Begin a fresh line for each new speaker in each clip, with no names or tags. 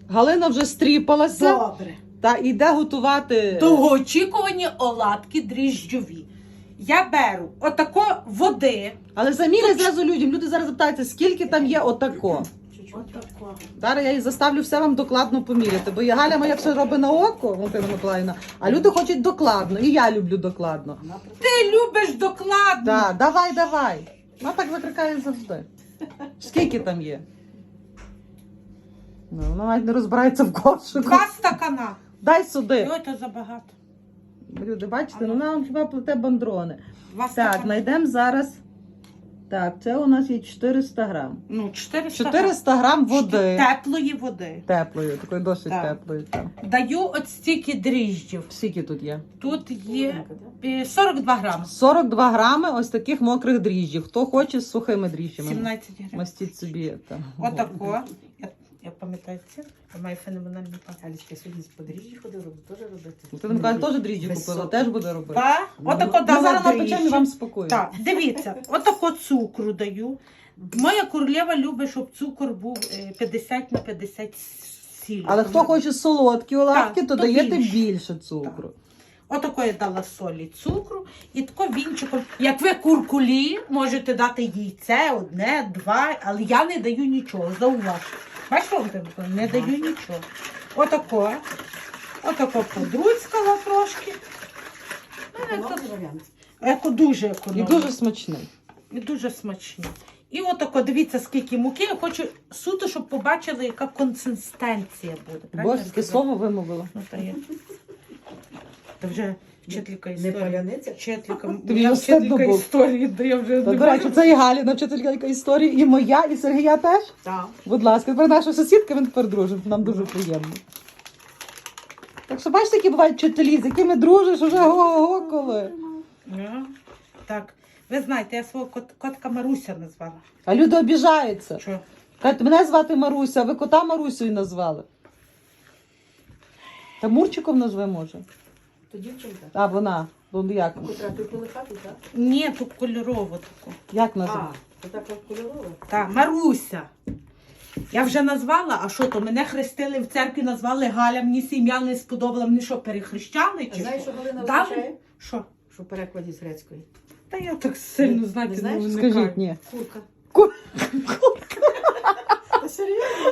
Галина вже стріпалася.
Добре.
Та йде готувати.
Довгоочікувані оладки дріжджові. Я беру отако води.
Але заміряй зразу людям. Люди зараз питаються, скільки там є отако.
Отако.
Зараз я їх заставлю все вам докладно поміряти. Бо я Галя моя все робить на око, Валентина Миколаївна, а люди хочуть докладно. І я люблю докладно.
Ти любиш докладно.
Так, давай. Вона так закрикає завжди. Скільки там є? Ну, вона навіть не розбирається в кошику.
2 стакана.
Дай сюди.
Ой, то забагато.
Люди, бачите, ну вона вам хіба плете бандрони.
2
Так,
стакана.
знайдемо зараз. Так, це у нас є 400 грам.
Ну, 400
400 грам води.
Теплої води.
Теплої, такої досить
Так.
теплої. Там.
Даю от стільки дріжджів.
Скільки тут є?
Тут є 42 грами.
42 грами ось таких мокрих дріжджів. Хто хоче з сухими дріжджами.
17 гривень.
Мастіть собі там.
Отако. Я пам'ятаю це. Я маю феноменальний пам'ять.
Алічка сьогодні з подріжжі ходила, теж робити.
Ти Миколаїв теж дріжджі купила, теж буде робити.
Так, отако
Ми
дала
зараз напечемо і
дріжджі.
вам спокою.
Так, дивіться, отако цукру даю. Моя королева любить, щоб цукор був 50 на 50 сіль.
Але хто хоче солодкі оладки,
Так,
то
то
даєте
більше.
більше цукру.
Отако я дала солі, цукру і тако вінчиком. Як ви куркулі, можете дати яйце, 1, 2, але я не даю нічого, зауважте. Бачите, не даю нічого. Отако подруцькала трошки. Дуже
І
економно.
дуже смачний.
І дуже смачні. І отако, дивіться, скільки муки. Я хочу суто, щоб побачили, яка консистенція буде. Правильно
Боже,
я
таке
сказала?
слово вимовила.
Ну, та є. Та вже вчителька
Не
історії.
паляниця?
Вчителька,
Тобі
я
вже стидно
вчителька
було.
історії, де я вже
Та,
не
до речі,
можу.
це і Галіна, вчителька історії, і моя, і Сергія теж.
Так.
Будь ласка, тепер наша сусідка, він тепер дружить. Нам дуже приємно. Так що бачите, які бувають вчителі, з якими дружиш уже го-го коли.
Ну, так, ви знаєте, я свого котка Маруся назвала.
А люди обіжаються.
Що?
Кажуть, мене звати Маруся, а ви кота Марусею назвали. Та Мурчиком назви може.
То дівчинка.
А вона. Ну, як?
Котра ти полихати, так?
Ні, тут кольорово таку.
Як називає?
А, то так от кольорова.
Так, Маруся. Я вже назвала, а що то? Мене хрестили в церкві, назвали Галя, мені це ім'я не сподобало, мені що, перехрещали
А
чи
знаєш,
що?
що Галина
Дам?
означає?
Що?
Що в перекладі з грецької?
Та я так сильно,
Не
знаєте,
знаєш?
не
Скажіть,
вникаю.
ні.
Курка.
Ку-
Та серйозно?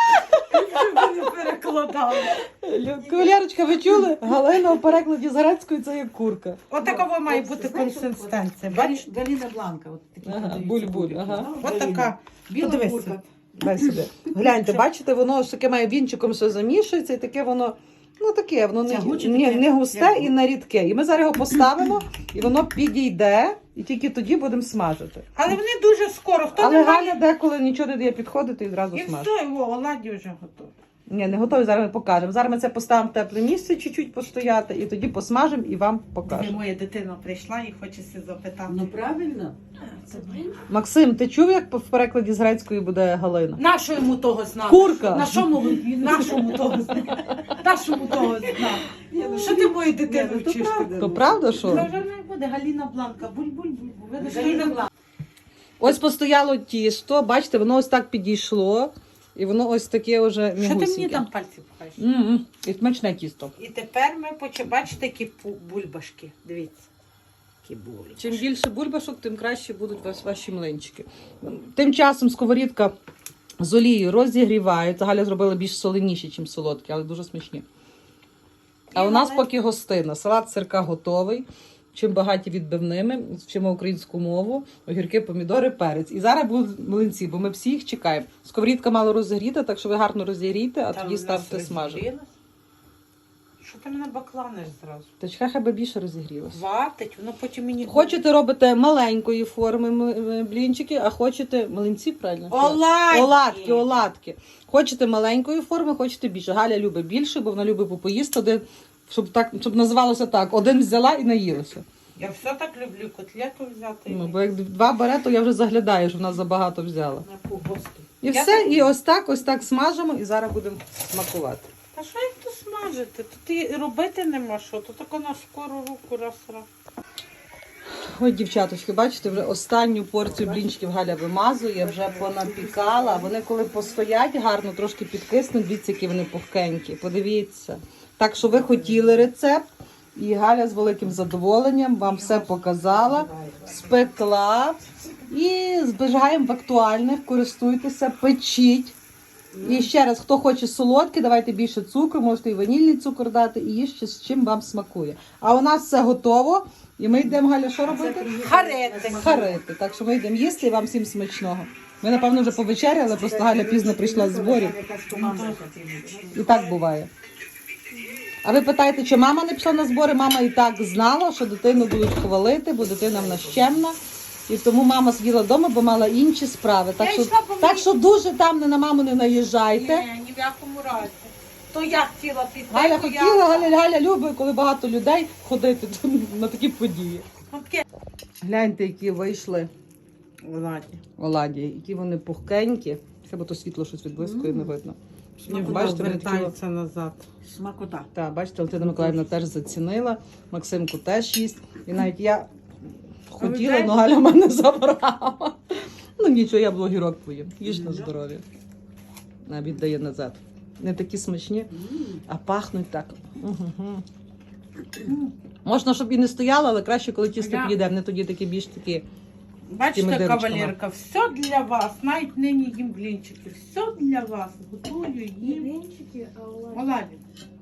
Я не перекладала.
Кавалерочка, ви чули? Галина у перекладі з грецької це як курка.
Отакова має
От,
бути
знаєш,
консистенція.
от,
Бачиш?
Галіна Бланка. От такі
Ага,
продаються
буль-буль,
курки.
ага.
Ну,
От
Галіна.
така.
Біла
Подивися.
курка.
Дай сюди. Гляньте, бачите, воно ж таке має вінчиком все замішується, і таке воно, ну таке, воно
Тягуче
не
таке,
густе
як
і не рідке. І ми зараз його поставимо, і воно підійде, і тільки тоді будемо смажити.
Але вони дуже скоро. Хто
Але
не
Галя
має...
деколи нічого не дає підходити і одразу
І
смажить.
все, його оладі вже готові.
Ні, не готові, зараз ми покажемо. Зараз ми це поставимо в тепле місце, чуть-чуть постояти, і тоді посмажемо і вам
Де
покажемо.
моя дитина прийшла і хоче себе запитати.
Ну правильно.
Максим, ти чув, як в перекладі з грецької буде Галина?
Нащо йому того знати?
Курка.
Нашому того знати? Нашому того знати? Що ти мою дитину
Ні, ну, то
вчиш?
правда.
То правда,
Це
що?
вже не буде Галіна Бланка. Буль-буль-буль. Видиш,
Галіна Бланка.
Ось постояло тісто, бачите, воно ось так підійшло, і воно ось таке вже
Що ти мені
мігусіньке.
там пальці пхаєш?
І смачне тісто.
І тепер ми бачите, які бульбашки. Дивіться. Які бульбашки.
Чим більше бульбашок, тим краще будуть ваші млинчики. Тим часом сковорідка з олією розігрівається. Галя зробила більш соленіші, ніж солодкі, але дуже смачні. А у нас поки гостина. Салат сирка готовий. Чим багаті відбивними, вчимо українську мову, огірки, помідори, перець. І зараз будуть млинці, бо ми всі їх чекаємо. Сковорідка мало розігріта, так що ви гарно розігрійте, а
Там
тоді
у нас
ставте смажити.
розігрілось. Що ти мене бакланиш зразу?
Та чекай, хай би більше розігрілося.
Ватить, воно потім мені...
Хочете робите маленької форми блінчики, а хочете млинці, правильно?
Оладки!
Оладки. Хочете маленької форми, хочете більше. Галя любить більше, бо вона любить попоїсти один, щоб називалося так, один взяла і наїлася.
Я все так люблю, котлету взяти.
Ну, бо як два бере, то я вже заглядаю, що вона забагато взяла.
На погости.
І все, і ось так смажимо, і зараз будемо смакувати.
Та що їх тут смажити? Тут і робити нема що, то тако на скору руку раз-раз.
Ой, дівчаточки, бачите, вже останню порцію блінчиків Галя вимазує, вже понапікала. Вони коли постоять гарно, трошки підкиснуть, дивіться, які вони пухкенькі. Подивіться. Так що ви хотіли рецепт, і Галя з великим задоволенням вам все показала, спекла. І зберігаємо в актуальних, користуйтеся, печіть. І ще раз, хто хоче солодке, давайте більше цукру, можете і ванільний цукор дати, і їжте з чим вам смакує. А у нас все готово, і ми йдемо, Галя, що робити?
Харити.
Харити. Так що ми йдемо їсти і вам всім смачного. Ми, напевно, вже повечеряли, просто Галя пізно прийшла з зборів. І так буває. А ви питаєте, чи мама не пішла на збори? Мама і так знала, що дитину будуть хвалити, бо дитина в нас чемна. І тому мама сиділа вдома, бо мала інші справи. Так що дуже там на маму не наїжджайте.
Ні в якому разі. То я хотіла піти.
Галя хотіла, Галя любить, коли багато людей ходити на такі події. Гляньте, які вийшли оладі, які вони пухкенькі. Хіба то світло щось відблискує, не видно. Бачите, вони такі...
назад.
Смакота.
Так, бачите, Валентина Миколаївна теж зацінила, Максимку теж їсть. І навіть я хотіла, але Галя мене забрала. Ну нічого, я блогерок поїм. Їж на здоров'я. Віддає назад. Не такі смачні, а пахнуть так. Можна, щоб і не стояло, але краще, коли тісто підійде. Вони тоді такі більш такі.
Бачите, кавалерка, все для вас. Навіть нині їм блінчики. Все для вас. Готую їм.
Блінчики, а оладі.
Оладі.